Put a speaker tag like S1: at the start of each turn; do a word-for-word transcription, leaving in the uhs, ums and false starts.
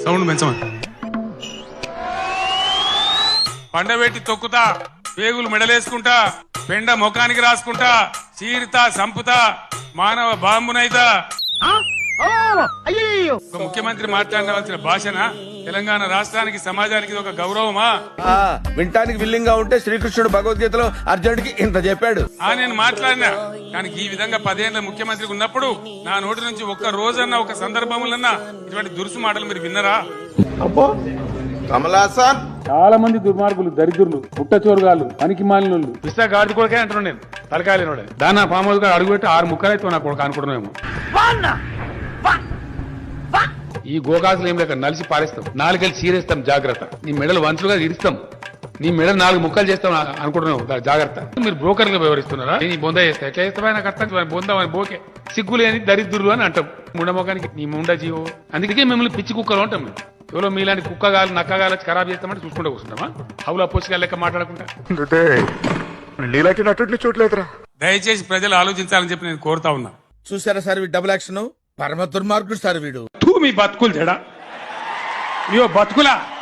S1: Sound పెంచమని. పండబెట్టి తొక్కుతా, పేగులు మెడలేసుకుంటా, పెండ ముఖానికి రాసుకుంటా, చీరుతా, సంపుతా, మానవ బాంబునైతా. ఒక ముఖ్యమంత్రి మాట్లాడవలసిన భాషన తెలంగాణ రాష్ట్రానికి సమాజానికి ఒక గౌరవమా?
S2: వింటానికి విల్లింగ్ గా ఉంటే శ్రీకృష్ణుడు భగవద్గీతలో అర్జునుడికి ఇంత చెప్పాడు.
S1: ఆ నేను మాట్లాడినా, కానీ ఈ విధంగా పదేళ్ల ముఖ్యమంత్రికి ఉన్నప్పుడు నా నోటి నుంచి ఒక్క రోజన్నా ఒక సందర్భములన్నా ఇటువంటి దురుసు మాటలు మీరు విన్నరా?
S2: అబ్బో కమలాసన్,
S3: చాలా మంది దుర్మార్గులు, దరిద్రులు, పుట్టచోరుగాళ్ళు, పనికి మాలినోళ్ళు, పిస్తా గాడి కొడుకే అంటున్నాను నేను. తలకాయలేనోడే దాని పామోదు గారు అడుగుపెట్టి ఆరు ముక్కలైతే నా కొడుకు అనుకుంటున్నామేమో. ఈ గోకాసులు ఏం లేక నలిసి పారేస్తాం, నాలుగేళ్ళు చీరేస్తాం, జాగ్రత్త. నీ మెడలు వంచులుగా ఇరుస్తాం, నీ మెడలు నాలుగు ముక్కలు చేస్తాం అనుకుంటున్నావు, జాగ్రత్త. మీరు బ్రోకర్గా వ్యవహరిస్తున్నారా? నీ బొంద చేస్తా ఎట్లా చేస్తావా? నాకు అర్థం బొంద బోకే సిగ్గులు అని దరిద్రులు అని అంటాం. ముండమోకానికి నీ ముండ జీవో. అందుకే మిమ్మల్ని పిచ్చి కుక్కలు అంటాం. ఎవరో మీలాంటి కుక్కగాలు నక్కగాలు వచ్చి ఖరాబ్ చేస్తామంటే చూసుకుంటూ కూర్చుంటామా? హౌలా పోసిగా లెక్క మాట్లాడకుండా.
S1: దయచేసి ప్రజలు ఆలోచించాలని చెప్పి నేను కోరుతా ఉన్నా.
S2: చూసారా సార్ డబుల్ యాక్షన్, పరమ దుర్మార్గుడు సార్ వీడు.
S1: మీ బతుకులు చెడా, మీ బతుకులా